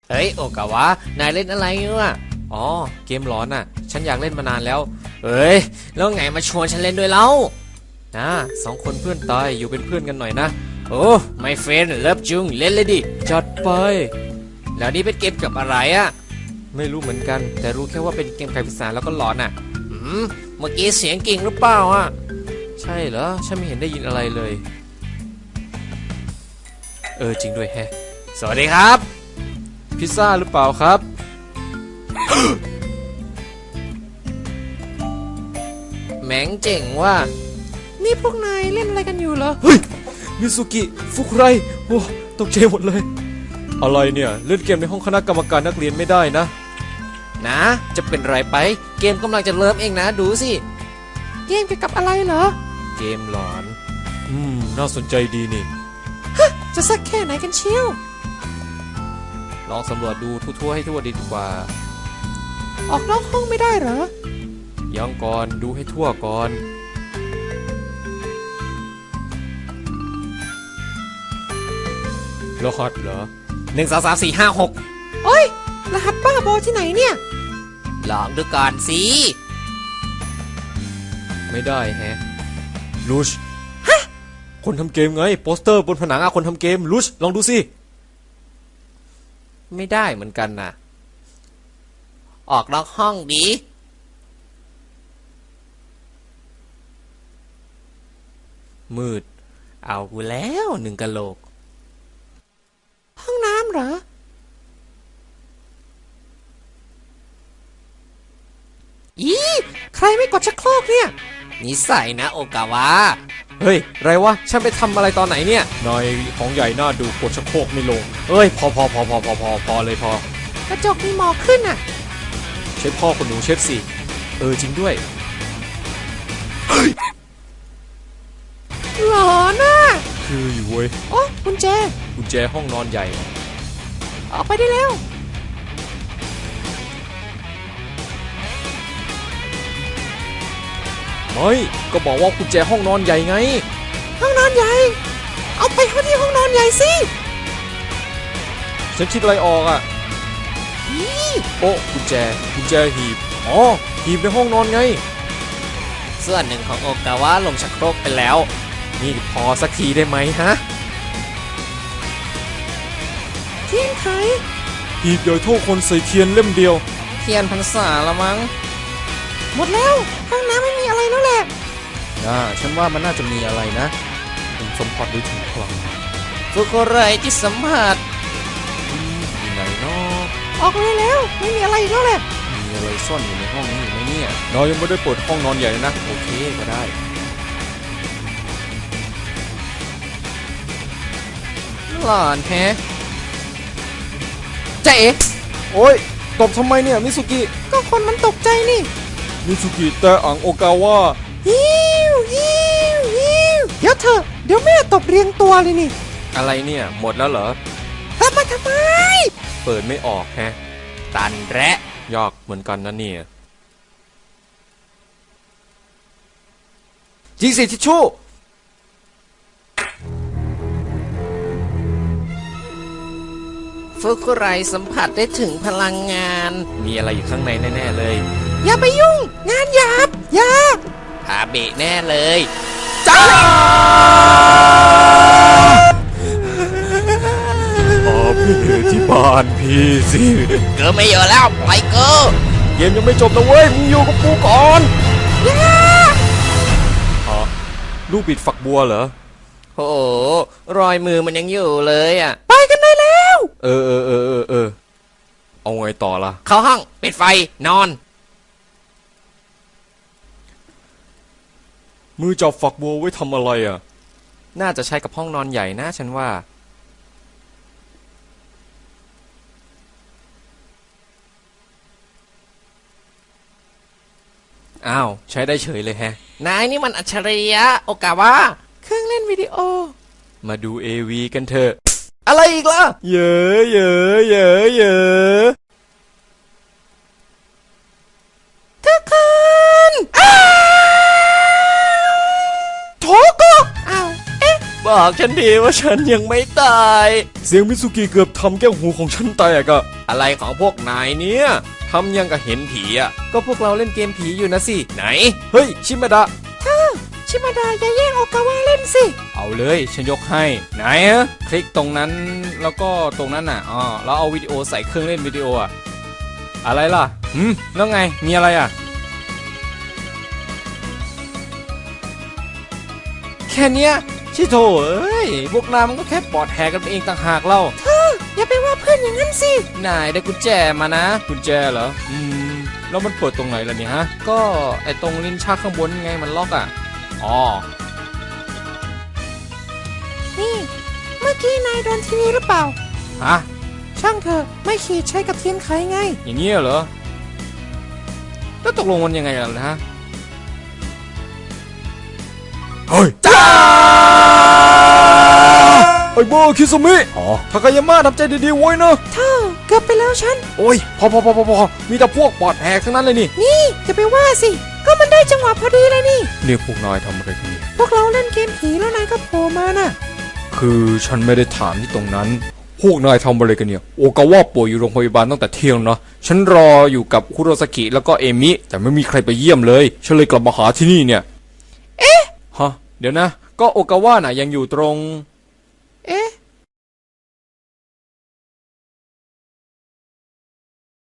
เฮ้ยโอกาวะนายเล่นอะไรเนี่ยอ๋อเกมร้อนอ่ะฉันอยากเล่นมานานแล้วเฮ้ยแล้วไงมาชวนฉันเล่นด้วยเล่านะสองคนเพื่อนตายอยู่เป็นเพื่อนกันหน่อยนะโอ้ไม่เฟนเลิฟจุงเล่นเลยดิจัดไปแล้วนี่เป็นเกมกับอะไรอ่ะไม่รู้เหมือนกันแต่รู้แค่ว่าเป็นเกมไขปริศนาแล้วก็หลอนอ่ะเมื่อกี้เสียงกิ่งหรือเปล่าอ่ะใช่เหรอฉันไม่เห็นได้ยินอะไรเลยจริงด้วยแฮะสวัสดีครับพิซซ่าหรือเปล่าครับ แหมงเจ๋งว่านี่พวกนายเล่นอะไรกันอยู่เหรอเฮ้ยมิสุกิฟุกไรโอ้ตกใจหมดเลยอะไรเนี่ยเล่นเกมในห้องคณะกรรมการนักเรียนไม่ได้นะจะเป็นไรไปเกมกำลังจะเริ่มเองนะดูสิเกมเกี่ยวกับอะไรเหรอเกมหลอนน่าสนใจดีนี่ฮะจะสักแค่ไหนกันเชียวลองสำรวจดูทั่วๆให้ทั่วดีกว่าออกนอกห้องไม่ได้เหรอยังก่อนดูให้ทั่วก่อนรหัสเหรอ1 2 3 4 5 6โอ้ยรหัสบ้าบอที่ไหนเนี่ยลองดูก่อนสิไม่ได้แฮะลูชฮะคนทำเกมไงโปสเตอร์บนผนังคนทำเกมลูชลองดูสิไม่ได้เหมือนกันนะออกนอกห้องดีมืดเอากูแล้ว1 กะโหลกห้องน้ำเหรอใครไม่กดชักโครกเนี่ยนิสัยนะโอกาวะเฮ้ยไรวะฉันไปทำอะไรตอนไหนเนี่ยนายของใหญ่น่าดูกดชักโครกไม่ลงเอ้ยพอเลยพอกระจกมีหมอกขึ้นอ่ะเช็ดพ่อคนหนูเช็ดสิจริงด้วยหลอนน่ะคืออยู่เว้ยโอ้กุญแจห้องนอนใหญ่ออกไปได้แล้วไม่ก็บอกว่ากุญแจห้องนอนใหญ่ไงห้องนอนใหญ่เอาไปเข้าที่ห้องนอนใหญ่สิฉันคิดอะไรออกอ่ะโอ้กุญแจหีบอ๋อหีบในห้องนอนไงส่วนหนึ่งของโอกาวะลงชักโครกไปแล้วนี่พอสักทีได้ไหมฮะเทียนไขหีบใหญ่เท่าคนใส่เทียนเล่มเดียวเทียนพรรษาละมั้งหมดแล้วห้องน้ำไม่มีอะไรแล้วแหละฉันว่ามันน่าจะมีอะไรนะผมสัมผัสได้ถึงพลังฟุกุไรที่สัมผัสอยู่ไหนเนาะออกเลยแล้วไม่มีอะไรแล้วแหละมีอะไรซ่อนอยู่ในห้องนี้ไหมเนี่ยเรายังไม่ได้เปิดห้องนอนใหญ่นะโอเคก็ได้หลอนแฮะเจ๊โอ้ยตบทำไมเนี่ยมิสุกิก็คนมันตกใจนี่มิสุกิแต่อ่างโอกาวะฮิวเดี๋ยวเถอะเดี๋ยวแม่ตบเรียงตัวเลยนี่อะไรเนี่ยหมดแล้วเหรอทำไมเปิดไม่ออกแฮะตันแระยากเหมือนกันนะเนี่ยยิงสิทิชชู่ฟุกุไรสัมผัสได้ถึงพลังงานมีอะไรอยู่ข้างในแน่ๆเลยอย่าไปยุ่งงานหยาบพาเบะแน่เลยจ้าพี่ที่บ้านพี่สิเกิดไม่เยอะแล้วปล่อยเกิดเกมยังไม่จบนะเว้ยมึงอยู่กับกูก่อนลูกบิดฝักบัวเหรอโอ้รอยมือมันยังอยู่เลยอ่ะไปกันได้แล้วเอาไงต่อล่ะเข้าห้องปิดไฟนอนมือจับฝักบัวไว้ทำอะไรอ่ะน่าจะใช้กับห้องนอนใหญ่นะฉันว่าอ้าวใช้ได้เฉยเลยแฮะนายนี่มันอัจฉริยะโอกาวะเครื่องเล่นวิดีโอมาดู AV กันเถอะอะไรอีกล่ะเยอะทุกคนโถก็อ้าวบ้าบอกฉันดีว่าฉันยังไม่ตาย เสียงมิสุกิเกือบทำแก้วหูของฉันแตกอะอะไรของพวกนายเนี่ยทำยังกับเห็นผีอะก็พวกเราเล่นเกมผีอยู่นะสิไหนเฮ้ยชิมาดะชิมาดะอย่าแย่งโอกาวะเล่นสิเอาเลยฉันยกให้ไหนอะคลิกตรงนั้นแล้วก็ตรงนั้นน่ะแล้วเอาวิดีโอใส่เครื่องเล่นวิดีโออะอะไรล่ะแล้วไงมีอะไรอะแค่เนี้ยชิโถเอ้ยพวกนายมันก็แค่ปอดแหกกันเองต่างหากเล่าอย่าไปว่าเพื่อนอย่างนั้นสินายได้กุญแจมานะกุญแจเหรอแล้วมันเปิดตรงไหนล่ะเนี่ยฮะก็ไอตรงลิ้นชักข้างบนไงมันล็อกอ่ะอ๋อนี่เมื่อกี้นายโดนทีวีหรือเปล่าฮะช่างเถอะไม่ขีดใช้กับเทียนไขไงอย่างเงี้ยเหรอแล้วตกลงมันยังไงล่ะฮะเฮ้ยจ้าไอ้โบคิซุมิทากายาม่าทำใจดีๆไว้นะเธอเกือบไปแล้วฉันโอ้ยพอมีแต่พวกปอดแหกทั้งนั้นเลยนี่จะไปว่าสิก็มันได้จังหวะพอดีเลยนี่พวกนายทำอะไรกันพวกเราเล่นเกมผีแล้วนายก็โผล่มาน่ะคือฉันไม่ได้ถามที่ตรงนั้นพวกนายทำอะไรกันเนี่ยโอกาวะป่วยอยู่โรงพยาบาลตั้งแต่เที่ยงเนาะฉันรออยู่กับคุโรซากิแล้วก็เอมิแต่ไม่มีใครไปเยี่ยมเลยฉันเลยกลับมาหาที่นี่เนี่ยฮะเดี๋ยวนะก็โอกาวะน่ะยังอยู่ตรง